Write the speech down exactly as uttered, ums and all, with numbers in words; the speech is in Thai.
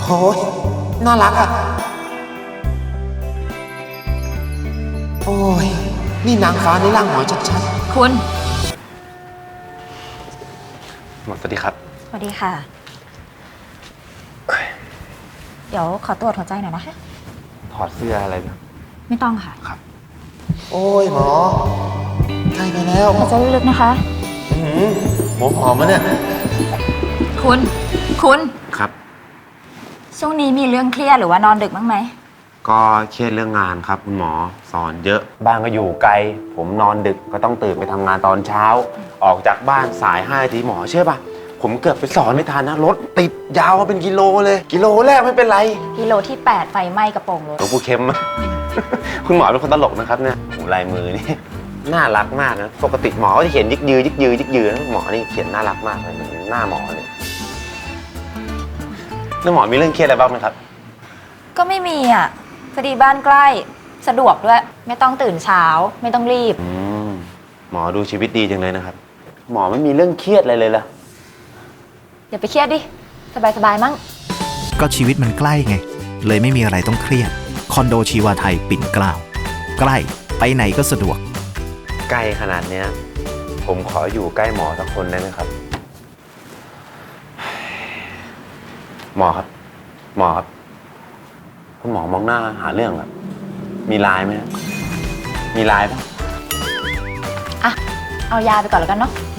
โอ้ยน่ารักอ่ะโอ้ยนี่นางฟ้าในร่างหมอชัดคุณหมอสวัสดีครับสวัสดีค่ะ เดี๋ยวขอตรวจหัวใจหน่อยนะคะถอดเสื้ออะไรนะไม่ต้องค่ะครับๆโอ้ยหมอใช่ไปแล้วหายใจลึกๆนะคะอื้อหือหัวหอมมะเนี่ยคุณ คุณครับช่วงนี้มีเรื่องเครียดหรือว่านอนดึกบ้างไหมก็เครียดเรื่องงานครับคุณหมอสอนเยอะบ้านก็อยู่ไกล ผมนอนดึกก็ต้องตื่นไปทำงานตอนเช้า ออกจากบ้านสายห้านาทีหมอเชื่อป่ะผมเกือบไปสอนไม่ทันนะรถติดยาวมาเป็นกิโลเลย กิโลแรกไม่เป็นไรกิโลที่ แปด ไฟไหม้กระโปรงรถหลวงปู่เข็ม คุณหมอเป็นคนตลกนะครับเนี่ยโหลายมือนี่ น่ารักมากนะปกติหมอก็จะเขียนยิกยือยิกยือยิกยือนะหมอนี่เขียนน่ารักมากเลยเหมือนหน้าหมอเลยแล้วหมอมีเรื่องเครียดอะไรบ้างไหมครับก็ไม่มีอ่ะพอดีบ้านใกล้ สะดวกด้วย ไม่ต้องตื่นเช้า ไม่ต้องรีบอืมหมอดูชีวิตดีจังเลยนะครับ หมอไม่มีเรื่องเครียดอะไรเลยล่ะอย่าไปเครียดดิ สบายๆมั้งก็ชีวิตมันใกล้ไง เลยไม่มีอะไรต้องเครียด คอนโดชีวาไทยปิ่นเกล้าใกล้ไปไหนก็สะดวกใกล้ขนาดเนี้ย ผมขออยู่ใกล้หมอสักคนได้ไหมครับ หมอครับ หมอครับคุณหมอมองหน้าหาเรื่องครับมีไลน์ไหมครับมีไลน์ปะอ่ะ เอายาไปก่อนแล้วกันเนาะ